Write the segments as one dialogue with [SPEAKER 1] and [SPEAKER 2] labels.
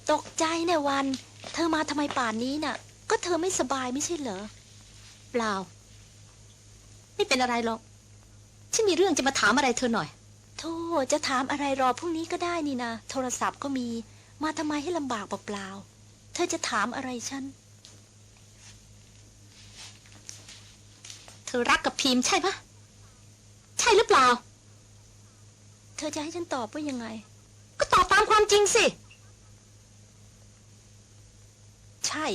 [SPEAKER 1] ตกใจเนี่ยวัน เธอมาทำไมป่านนี้น่ะ ก็เธอไม่สบายไม่ใช่เหรอ
[SPEAKER 2] เปล่าไม่เป็นอะไรหรอกฉันมีเรื่องจะมาถามอะไรเธอหน่อย
[SPEAKER 1] โธ่จะถามอะไรรอพรุ่งนี้ก็ได้นี่นะโทรศัพท์ก็มีมาทำไมให้ลำบากเปล่าๆเธอจะถามอะไรฉัน
[SPEAKER 2] เธอรักกับพิมพ์ใช่ปะใช่หรือเปล่า
[SPEAKER 1] เธอจะให้ฉันตอบว่ายังไง
[SPEAKER 2] ก็ตอบตามความจริงสิ
[SPEAKER 1] ใช่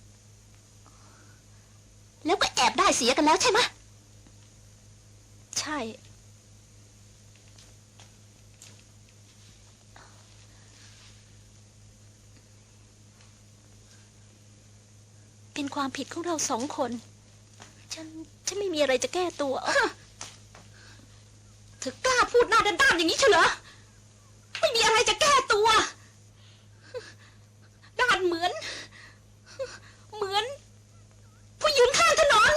[SPEAKER 2] แล้วก็แอบได้เสียกันแล้วใช่ไหม
[SPEAKER 1] ใช่เป็นความผิดของเราสองคนฉันไม่มีอะไรจะแก้ตัว
[SPEAKER 2] เธอกล้าพูดหน้าด้านๆอย่างนี้เฉลอไม่มีอะไรจะแก้ตัวด้านเหมือนผู้ยืนข้างถนน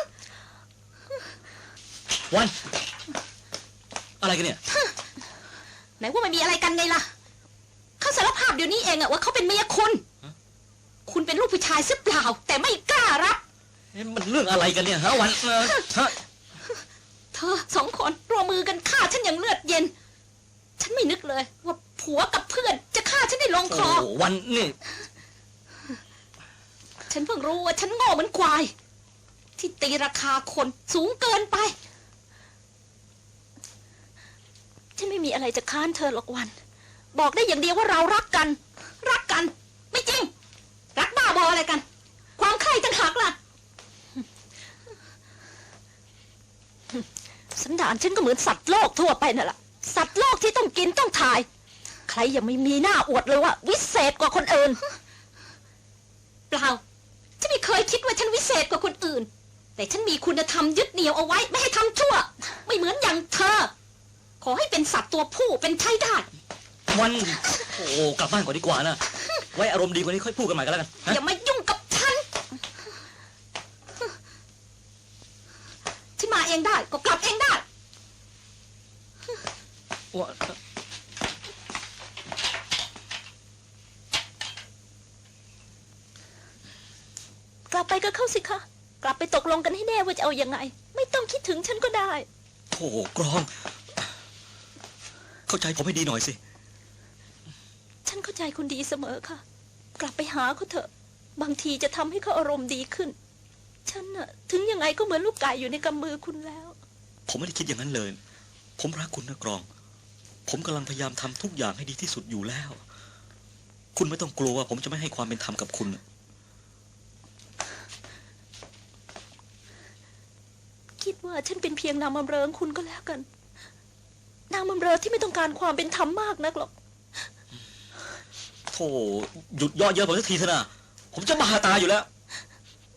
[SPEAKER 3] วันอะไรกันเนี่ย
[SPEAKER 2] ไหนว่าไม่มีอะไรกันไงล่ะเขาสารภาพเดี๋ยวนี้เองอะว่าเขาเป็นเมียคุณเป็นลูกผู้ชายซึบเปล่าแต่ไม่กล้ารับ
[SPEAKER 3] มันเรื่องอะไรกันเนี่ยฮะวัน
[SPEAKER 2] เธอสองคนร่วมมือกันฆ่าฉันอย่างเลือดเย็นฉันไม่นึกเลยว่าผัวกับเพื่อนจะฆ่าฉันได้ลงคอ
[SPEAKER 3] วันนี่
[SPEAKER 2] ฉันเพิ่งรู้ว่าฉันโง่เหมือนควายที่ตีราคาคนสูงเกินไป
[SPEAKER 1] ฉันไม่มีอะไรจะค้านเธอหรอกวันบอกได้อย่างเดียวว่าเรารักกัน
[SPEAKER 2] ไม่จริงรักบ้าบออะไรกันความใคร่ต่างหากล่ะ
[SPEAKER 1] สันดานฉันก็เหมือนสัตว์โลกทั่วไปนั่นแหละสัตว์โลกที่ต้องกินต้องถ่ายใครยังไม่มีหน้าอวดเลยว่าวิเศษกว่าคนอื่น
[SPEAKER 2] เปล่าฉันไม่เคยคิดว่าฉันวิเศษกว่าคนอื่นแต่ฉันมีคุณธรรมยึดเหนี่ยวเอาไว้ไม่ให้ทำชั่วไม่เหมือนอย่างเธอขอให้เป็นสัตว์ตัวผู้เป็นใช้ได้
[SPEAKER 3] วันโอ้กลับบ้านก่อนดีกว่านะไว้อารมณ์ดีกว่านี้ค่อยพูดกันใหม่ก็แล้วกัน
[SPEAKER 2] อย่ามายุ่งกับฉันมาเองได้ก็กลับเองได้
[SPEAKER 1] กลับไปก็เข้าสิคะกลับไปตกลงกันให้แน่ว่าจะเอายังไงไม่ต้องคิดถึงฉันก็ได้
[SPEAKER 3] โธ่กรองเข้าใจผมให้ดีหน่อยสิ
[SPEAKER 1] ฉันเข้าใจคุณดีเสมอค่ะกลับไปหาเขาเถอะบางทีจะทำให้เขาอารมณ์ดีขึ้นฉันน่ะถึงยังไงก็เหมือนลูกไก่อยู่ในกำมือคุณแล้ว
[SPEAKER 3] ผมไม่ได้คิดอย่างนั้นเลยผมรักคุณนะกรองผมกำลังพยายามทำทุกอย่างให้ดีที่สุดอยู่แล้วคุณไม่ต้องกลัวว่าผมจะไม่ให้ความเป็นธรรมกับคุณ
[SPEAKER 1] คิดว่าฉันเป็นเพียงนางบำเรอคุณก็แล้วกันนางบำเรอที่ไม่ต้องการความเป็นธรรมมากนักหรอก
[SPEAKER 3] โธ่หยุดย่อเยอะผมสักทีเถอะนะผมจะบ้าตายอยู่แล้ว